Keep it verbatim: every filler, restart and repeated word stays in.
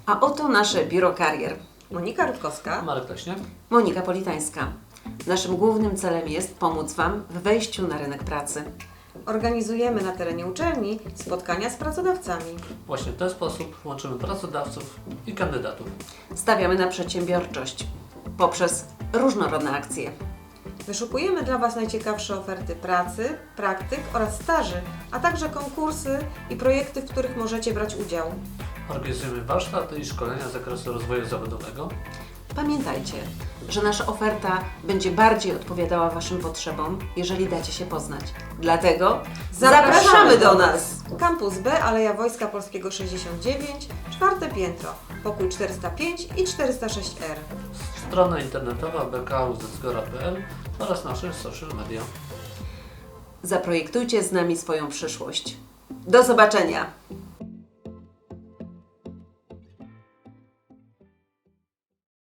A oto nasze biuro karier. Monika Rutkowska. Marek Leśniak. Monika Politańska. Naszym głównym celem jest pomóc Wam w wejściu na rynek pracy. Organizujemy na terenie uczelni spotkania z pracodawcami. Właśnie w ten sposób łączymy pracodawców i kandydatów. Stawiamy na przedsiębiorczość poprzez różnorodne akcje. Wyszukujemy dla Was najciekawsze oferty pracy, praktyk oraz staży, a także konkursy i projekty, w których możecie brać udział. Organizujemy warsztaty i szkolenia z zakresu rozwoju zawodowego. Pamiętajcie, że nasza oferta będzie bardziej odpowiadała Waszym potrzebom, jeżeli dacie się poznać. Dlatego zapraszamy do nas! Kampus B, Aleja Wojska Polskiego sześćdziesiąt dziewięć, czwarte piętro, pokój czterysta pięć i czterysta sześć R. Strona internetowa b k u z zgora kropka p l oraz nasze social media. Zaprojektujcie z nami swoją przyszłość. Do zobaczenia!